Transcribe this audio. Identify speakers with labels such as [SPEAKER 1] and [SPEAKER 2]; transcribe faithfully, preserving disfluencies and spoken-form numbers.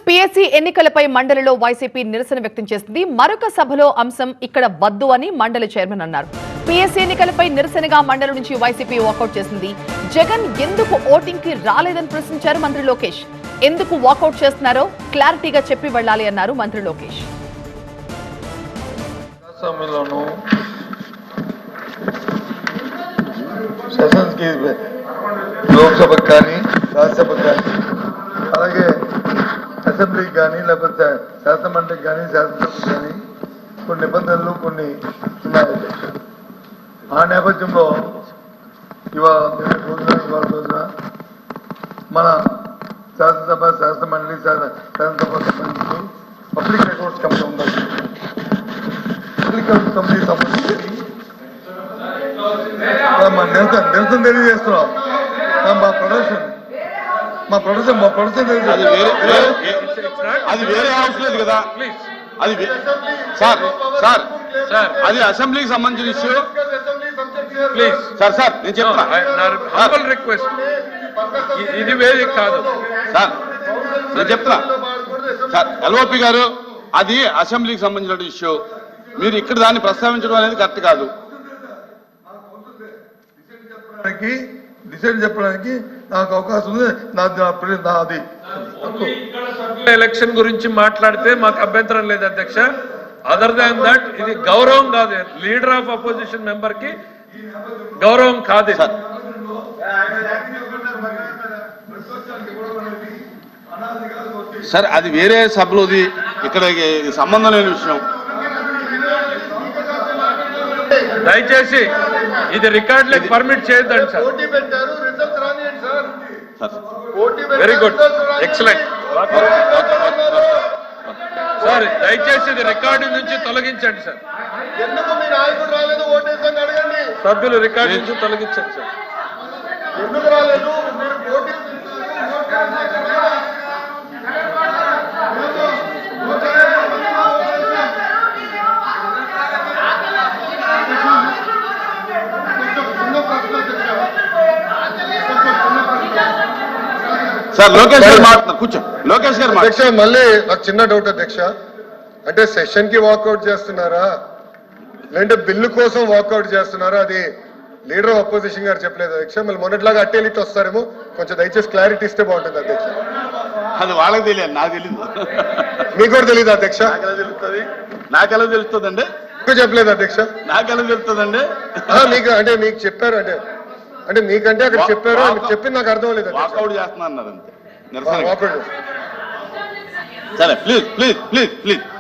[SPEAKER 1] PSC ఎన్నికలపై మండలిలో YCP నిరసన వ్యక్తం చేసింది. మరొక సభలో అంశం ఇక్కడ వద్దు అని మండలి చైర్మన్ అన్నారు. పీఎస్సీ ఎన్నికలపై నిరసనగా మండలి నుంచి వైసీపీ వాకౌట్ చేసింది. జగన్ ఎందుకు ఓటింగ్ కి రాలేదని ప్రశ్నించారు మంత్రి లోకేష్. ఎందుకు వాకౌట్ చేస్తున్నారో క్లారిటీగా చెప్పి వెళ్లాలి అన్నారు మంత్రి లోకేష్.
[SPEAKER 2] లోక్సభకు కానీ రాజ్యసభకు కానీ అలాగే అసెంబ్లీకి కానీ లేకపోతే శాసనమండలికి కానీ శాసనసభకు కానీ కొన్ని నిబంధనలు కొన్ని ఉన్నాయి. ఆ నేపథ్యంలో ఇవాళ రోజున ఇవాళ రోజున మన శాసనసభ శాసనమండలి శాసనసభ సంబంధించి పబ్లిక్ రికార్డ్స్ కమిటీ ఉండాలి. పబ్లిక్ రికార్డ్స్ కమిటీ సంబంధించి మా నిరసన నిరసన తెలియజేస్తున్నాం. మా ప్రొడక్షన్ మా ప్రొడక్షన్ మా ప్రొడక్షన్
[SPEAKER 3] అది వేరే హౌస్ లేదు కదా, అది సార్ సార్ సార్ అది అసెంబ్లీకి సంబంధించిన ఇష్యూ. ప్లీజ్ సార్ సార్ నేను చెప్తున్నా
[SPEAKER 4] రిక్వెస్ట్, ఇది వేరే కాదు
[SPEAKER 3] సార్, నేను చెప్తున్నా సార్ ఎల్ఓపి గారు, అది అసెంబ్లీకి సంబంధించిన ఇష్యూ. మీరు ఇక్కడ దాన్ని ప్రస్తావించడం అనేది కరెక్ట్ కాదు.
[SPEAKER 2] డిసైడ్ చెప్పడానికి నాకు అవకాశం ఉంది. నాది
[SPEAKER 4] ఎలక్షన్ గురించి మాట్లాడితే మాకు అభ్యంతరం లేదు అధ్యక్ష. అదర్ దాన్ దట్ ఇది గౌరవం కాదు, లీడర్ ఆఫ్ అపోజిషన్ మెంబర్ కి గౌరవం కాదు.
[SPEAKER 3] సార్ అది వేరే సభలోది, ఇక్కడ సంబంధం లేని విషయం.
[SPEAKER 4] దయచేసి ఇది రికార్డులకు పర్మిట్ చేయొద్దండి sir. Very good, excellent sir. దయచేసి ఇది రికార్డు నుంచి తొలగించండి సార్. సభ్యులు రికార్డు నుంచి తొలగించండి సార్.
[SPEAKER 3] సార్ లోకేష్ గారు మాట్లాడుతున్నారు, కూర్చో. లోకేష్ గారు
[SPEAKER 2] అధ్యక్ష, మళ్ళీ నాకు చిన్న డౌట్ అధ్యక్ష, అంటే సెషన్ కి వాకౌట్ చేస్తున్నారా లేదంటే బిల్లు కోసం వాకౌట్ చేస్తున్నారా? అది లీడర్ ఆఫ్ అపోజిషన్ గారు చెప్పలేదు అధ్యక్ష. మళ్ళీ మొన్నట్లాగా అట్టేలిట్ వస్తారేమో, కొంచెం దయచేసి క్లారిటీ ఇస్తే బాగుంటుంది అధ్యక్ష.
[SPEAKER 3] అది వాళ్ళకి తెలియదు, నాకు తెలియదు.
[SPEAKER 2] మీకు కూడా తెలియదు అధ్యక్ష?
[SPEAKER 3] నాకెలా తెలుస్తుంది? నాకెలా తెలుస్తుందండి?
[SPEAKER 2] చెప్పలేదు అధ్యక్ష.
[SPEAKER 3] నాకెలా తెలుస్తుందండి?
[SPEAKER 2] మీకు అంటే మీకు చెప్పారు అంటే అంటే మీకంటే అక్కడ చెప్పారు, చెప్పింది నాకు అర్థం లేదు.
[SPEAKER 3] వాకౌట్ చేస్తున్నా అన్నారు అంతే. నిరసన. సరే ప్లీజ్ ప్లీజ్ ప్లీజ్ ప్లీజ్